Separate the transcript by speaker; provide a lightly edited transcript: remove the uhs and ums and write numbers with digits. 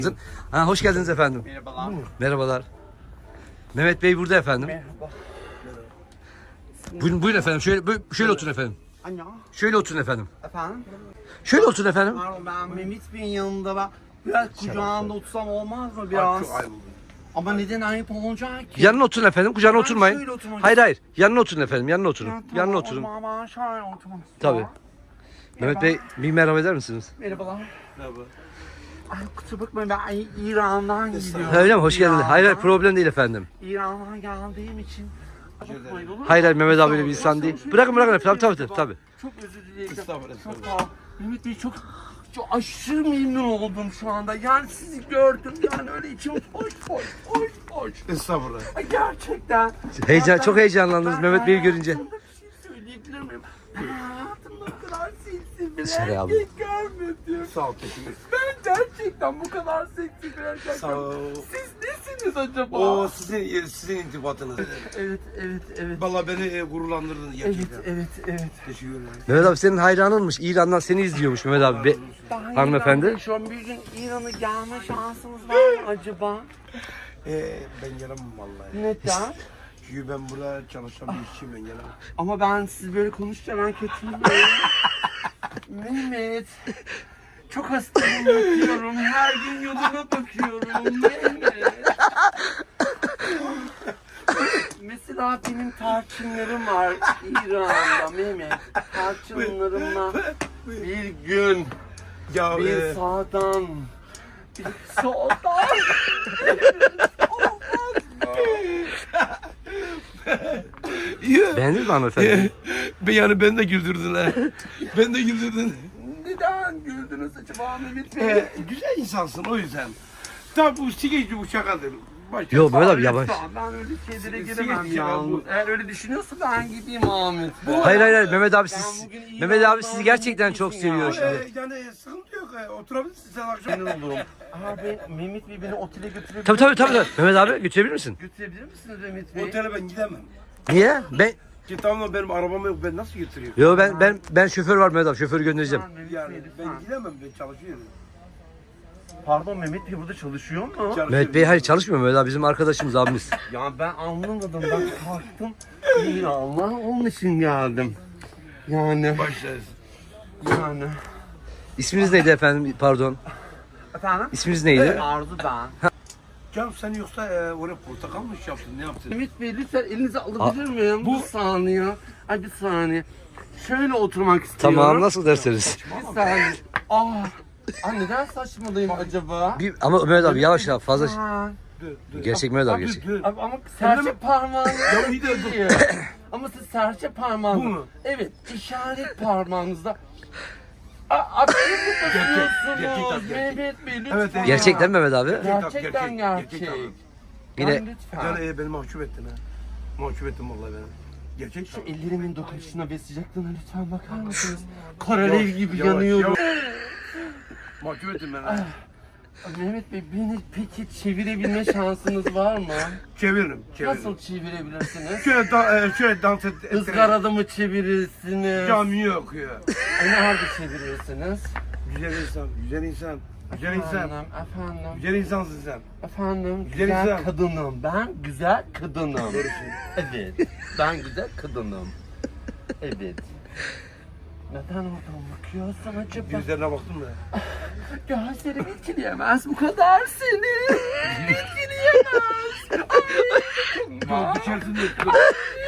Speaker 1: Ha, hoş geldiniz efendim.
Speaker 2: Merhabalar.
Speaker 1: Merhabalar. Mehmet Bey burada efendim.
Speaker 2: Merhaba.
Speaker 1: Buyurun efendim. Şöyle oturun efendim.
Speaker 2: Anne.
Speaker 1: Şöyle oturun efendim.
Speaker 2: Efendim?
Speaker 1: Şöyle oturun efendim.
Speaker 2: Pardon, ben Mehmet Bey'in yanında biraz kucağında otursam olmaz mı biraz? Ama neden ayıp olacak ki?
Speaker 1: Yanına oturun efendim. Kucağına
Speaker 2: Ben
Speaker 1: oturmayın.
Speaker 2: şöyle oturmak
Speaker 1: Hayır. Yanına oturun efendim. Yanına oturun.
Speaker 2: Ya, tamam,
Speaker 1: Yanına
Speaker 2: o
Speaker 1: oturun.
Speaker 2: zaman ben şöyle oturmak
Speaker 1: Tabii.
Speaker 2: istiyorum.
Speaker 1: Mehmet Bey bir merhaba eder misiniz?
Speaker 2: Merhabalar. Merhaba. Ay kusura bakmayın, ben İran'dan gidiyorum.
Speaker 1: Öyle mi? Hoş geldiniz.
Speaker 2: İran'dan.
Speaker 1: Hayır problem değil efendim.
Speaker 2: İran'dan geldiğim için. Bakmayın, olur mu?
Speaker 1: Hayır Mehmet abi öyle bir insan değil. Bırakın efendim. Tabii.
Speaker 2: Çok özür dilerim. Çok sağ ol. Mehmet Bey çok aşırı memnun oldum şu anda. Yani sizi gördüm, yani öyle içim hoş.
Speaker 3: Estağfurullah.
Speaker 2: Ay, gerçekten.
Speaker 1: Çok heyecanlandınız Mehmet Bey'i görünce.
Speaker 2: Hayatımda bir şey söyleyebilir miyim? Ben hayatımda bu kadar seksi bir
Speaker 1: Söyle abi.
Speaker 2: erkek görmedim.
Speaker 3: Sağ ol teşekkür.
Speaker 2: Ben gerçekten bu kadar seksi bir erkek
Speaker 3: Sağ ol.
Speaker 2: görmedim. Siz nesiniz acaba?
Speaker 3: O sizin intibatınız.
Speaker 2: Evet.
Speaker 3: Vallahi beni gururlandırdın gerçekten.
Speaker 2: Evet.
Speaker 3: Teşekkür ederim.
Speaker 1: Mehmet abi senin hayranınmış. İran'dan seni izliyormuş Mehmet abi.
Speaker 2: Daha
Speaker 1: Hanımefendi.
Speaker 2: İran'da Şu an bir gün İran'a gelme şansınız var mı acaba?
Speaker 3: Ben gelemem vallahi.
Speaker 2: Neden?
Speaker 3: Çünkü ben burada çalışan bir işçiyim, ben gelemem.
Speaker 2: Ama ben siz böyle konuşunca ben kötüyüm. Mehmet. Çok hastayım, bakıyorum. Her gün yoluna bakıyorum. Mehmet. Mesela benim tarçınlarım var İran'da Mehmet. Tarçınlarımla bir gün,
Speaker 3: Ya
Speaker 2: bir sağdan, bir soldan.
Speaker 1: Beğendiniz mi hanımefendi?
Speaker 3: yani ben de güldürdün ha. Ben de güldürdün.
Speaker 2: Neden güldünüz acaba Mehmet Bey?
Speaker 3: Güzel insansın o yüzden. Tabi bu sigeci bu şakadır. Başka.
Speaker 1: Yok Mehmet abi yavaş.
Speaker 2: Ben öyle şeylere
Speaker 3: Sigara
Speaker 2: giremem ya.
Speaker 3: bu.
Speaker 2: Eğer öyle düşünüyorsa ben gideyim Ahmet.
Speaker 1: Hayır Mehmet abi
Speaker 2: Ben bugün iyi
Speaker 1: Mehmet abi
Speaker 2: Allah'ın
Speaker 1: sizi gerçekten çok
Speaker 2: iyisiyim
Speaker 1: seviyor
Speaker 2: ya.
Speaker 1: şimdi.
Speaker 3: Yani sıkıntı yok. Oturabilirsin sen akşam.
Speaker 2: Memnun olurum. Abi Mehmet Bey beni otele götürebilir
Speaker 1: Tabii. Mehmet abi götürebilir misin?
Speaker 2: Götürebilir misiniz Mehmet Bey?
Speaker 3: Otele ben gidemem.
Speaker 1: Niye?
Speaker 3: Ki tamam benim arabam yok, ben nasıl götüreyim?
Speaker 1: Yo ben şoför var Mehmet abi. Şoförü göndereceğim.
Speaker 2: Lütfen Mehmet
Speaker 3: Yani
Speaker 2: Bey,
Speaker 3: ben
Speaker 2: lütfen.
Speaker 3: gidemem, ben çalışıyorum.
Speaker 2: Pardon Mehmet Bey burada çalışıyor mu?
Speaker 1: Mehmet Bey hayır çalışmıyor Mehmet abi bizim arkadaşımız abimiz.
Speaker 2: Ya ben anlamadım. Ben kalktım. İyi Allah onun için geldim. Yani.
Speaker 3: Başlarız.
Speaker 2: Yani.
Speaker 1: İsminiz neydi efendim? Pardon.
Speaker 2: Efendim?
Speaker 1: İsminiz neydi?
Speaker 2: Arzu ben.
Speaker 3: Canım sen yoksa oraya portakal mı yaptın, ne yaptın?
Speaker 2: Mehmet Bey lütfen elinizi alabilir miyim? Bir saniye. Ay bir saniye. Şöyle oturmak istiyorum.
Speaker 1: Tamam nasıl derseniz.
Speaker 2: Bir saniye. Ay neden saçmalıyım acaba?
Speaker 1: Ama Mehmet abi yavaş fazla.
Speaker 2: Ha.
Speaker 3: Dur.
Speaker 1: Gerçek Mehmet abi gerçek.
Speaker 3: Dur.
Speaker 2: Abi ama serçe parmağınız
Speaker 3: Ya bir de dur.
Speaker 2: değil. Ama siz serçe parmağınız.
Speaker 3: Bu mu?
Speaker 2: Evet, işaret parmağınızda. Abi ne bakıyorsunuz?
Speaker 3: Gerçek.
Speaker 2: Mehmet Bey lütfen.
Speaker 3: Evet,
Speaker 1: Gerçekten Mehmet abi.
Speaker 2: Gerçekten gerçek.
Speaker 3: Gerçek abi.
Speaker 1: Yine
Speaker 2: Yani lütfen.
Speaker 3: Yani beni mahcup ettin ha. Mahcup ettin vallahi beni. Gerçek
Speaker 2: Şu
Speaker 3: tabii.
Speaker 2: ellerimin dokunuşuna ve sıcaklığına lütfen bakar mısınız? Karalev gibi yanıyorum.
Speaker 3: Mahcup ettin beni. ha.
Speaker 2: Mehmet Bey beni peki çevirebilme şansınız var mı?
Speaker 3: Çeviririm.
Speaker 2: Nasıl çevirebilirsiniz?
Speaker 3: Şöyle dans et.
Speaker 2: Izgarada mı çevirirsiniz?
Speaker 3: Cami yok ya.
Speaker 2: Nerede çevirirsiniz?
Speaker 3: Güzel insan. Güzel insan.
Speaker 2: Efendim.
Speaker 3: Güzel insansın sen.
Speaker 2: Efendim,
Speaker 3: Güzel
Speaker 2: güzel
Speaker 3: insan.
Speaker 2: kadınım. Ben güzel kadınım. Evet, ben güzel kadınım. Evet. Neden oradan bakıyorsun acaba?
Speaker 3: Gözlerine baktım da.
Speaker 2: Gözlerim etkileyemez bu kadar seni. Etkileyemez.
Speaker 3: Yok içerisinde.